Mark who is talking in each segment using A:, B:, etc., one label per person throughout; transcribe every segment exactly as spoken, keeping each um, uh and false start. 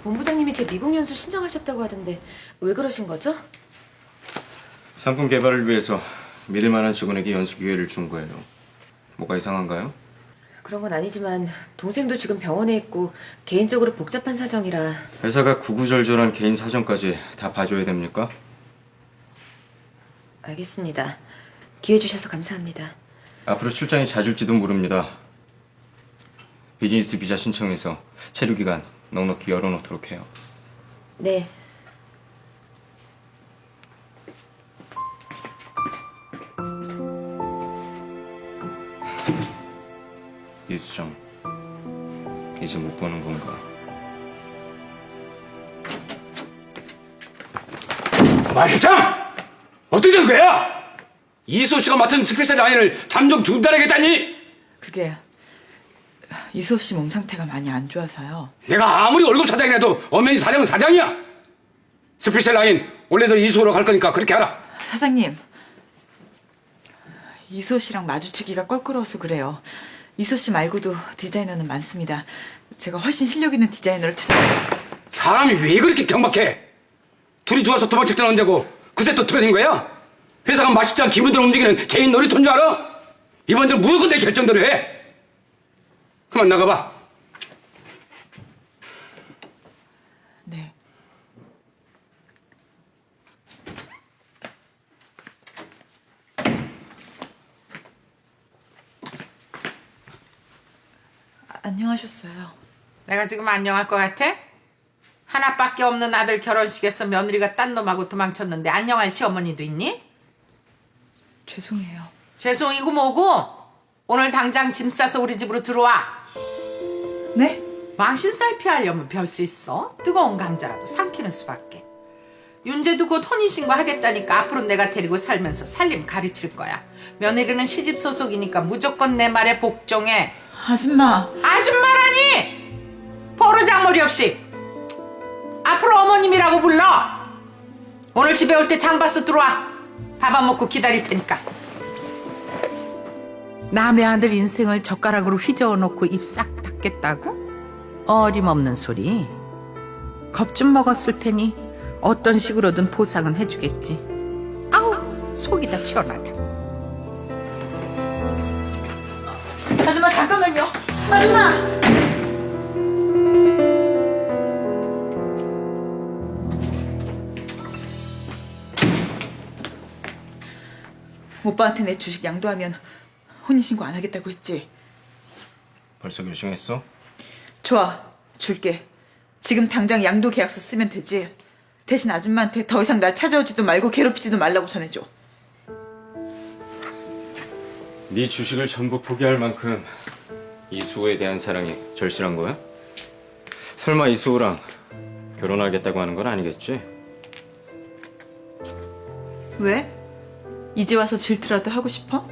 A: 본부장님이 제 미국 연수 신청하셨다고 하던데 왜 그러신 거죠?
B: 상품 개발을 위해서 믿을 만한 직원에게 연수 기회를 준 거예요. 뭐가 이상한가요?
A: 그런 건 아니지만 동생도 지금 병원에 있고 개인적으로 복잡한 사정이라.
B: 회사가 구구절절한 개인 사정까지 다 봐줘야 됩니까?
A: 알겠습니다. 기회 주셔서 감사합니다.
B: 앞으로 출장이 잦을지도 모릅니다. 비즈니스 비자 신청해서 체류 기간 넉넉히 열어놓도록 해요.
A: 네.
B: 이수정, 이제 못 보는 건가?
C: 마 실장! 어떻게 된 거야? 이수호 씨가 맡은 스페셜 라인을 잠정 중단하겠다니?
D: 그게 이수호 씨 몸 상태가 많이 안 좋아서요.
C: 내가 아무리 월급 사장이라도 엄연히 사장은 사장이야. 스페셜 라인 원래도 이수호로 갈 거니까 그렇게 하라.
D: 사장님, 이수호 씨랑 마주치기가 껄끄러워서 그래요. 이수호 씨 말고도 디자이너는 많습니다. 제가 훨씬 실력 있는 디자이너를 찾아.
C: 사람이 왜 그렇게 경박해? 둘이 좋아서 도망칠 때는 언제고 그새 또 틀어진 거야? 회사가 마실장 기분대로 움직이는 개인 놀이터인 줄 알아? 이번 주 무조건 내 결정대로 해. 그만 나가봐.
D: 네. 아, 안녕하셨어요.
E: 내가 지금 안녕할 것 같아? 하나밖에 없는 아들 결혼식에서 며느리가 딴 놈하고 도망쳤는데 안녕할 시어머니도 있니?
D: 죄송해요.
E: 죄송이고 뭐고 오늘 당장 짐 싸서 우리 집으로 들어와.
D: 네?
E: 망신살 피하려면 별 수 있어. 뜨거운 감자라도 삼키는 수밖에. 윤재도 곧 혼인신고 하겠다니까 앞으로 내가 데리고 살면서 살림 가르칠 거야. 며느리는 시집 소속이니까 무조건 내 말에 복종해.
D: 아줌마.
E: 아줌마라니! 버르장머리 없이 앞으로 어머님이라고 불러. 오늘 집에 올 때 장바스 들어와. 밥 안 먹고 기다릴 테니까. 남의 아들 인생을 젓가락으로 휘저어 놓고 입 싹 닫겠다고? 어림없는 소리. 겁 좀 먹었을 테니 어떤 식으로든 보상은 해주겠지. 아우 속이 다 시원하다.
D: 아줌마 잠깐만요. 아줌마. 오빠한테 내 주식 양도하면 혼인신고 안 하겠다고 했지?
B: 벌써 결정했어?
D: 좋아, 줄게. 지금 당장 양도 계약서 쓰면 되지. 대신 아줌마한테 더 이상 날 찾아오지도 말고 괴롭히지도 말라고 전해줘.
B: 네 주식을 전부 포기할 만큼 이수호에 대한 사랑이 절실한 거야? 설마 이수호랑 결혼하겠다고 하는 건 아니겠지?
D: 왜? 이제 와서 질투라도 하고 싶어?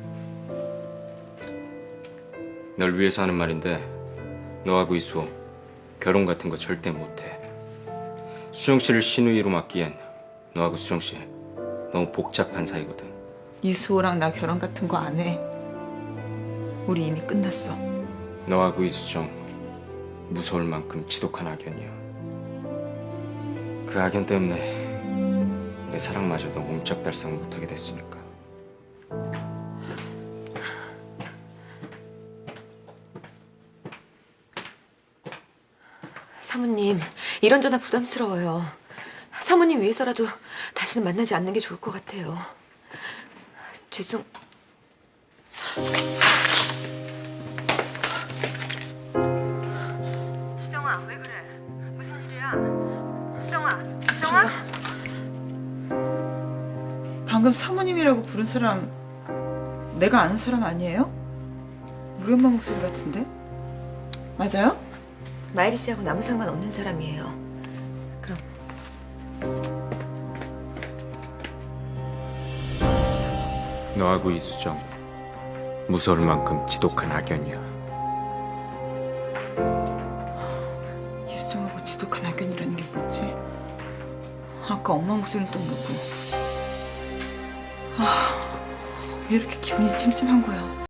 B: 널 위해서 하는 말인데 너하고 이수호 결혼 같은 거 절대 못해. 수정 씨를 신우이로 맡기엔 너하고 수정 씨 너무 복잡한 사이거든.
D: 이수호랑 나 결혼 같은 거 안 해. 우리 이미 끝났어.
B: 너하고 이수정 무서울 만큼 지독한 악연이야. 그 악연 때문에 내 사랑마저도 옴짝달싹 못하게 됐으니까.
A: 사모님, 이런 전화 부담스러워요. 사모님 위해서라도 다시는 만나지 않는 게 좋을 것 같아요. 죄송...
F: 수정아, 왜 그래? 무슨 일이야? 수정아, 수정아?
D: 방금 사모님이라고 부른 사람 내가 아는 사람 아니에요? 우리 엄마 목소리 같은데? 맞아요?
A: 마이리 씨하고 아무 상관없는 사람이에요. 그럼
B: 너하고 이수정 무서울 만큼 지독한 악연이야.
D: 이수정하고 지독한 악연이라는 게 뭐지? 아까 엄마 목소리는 또 뭐고? 아, 왜 이렇게 기분이 찜찜한 거야?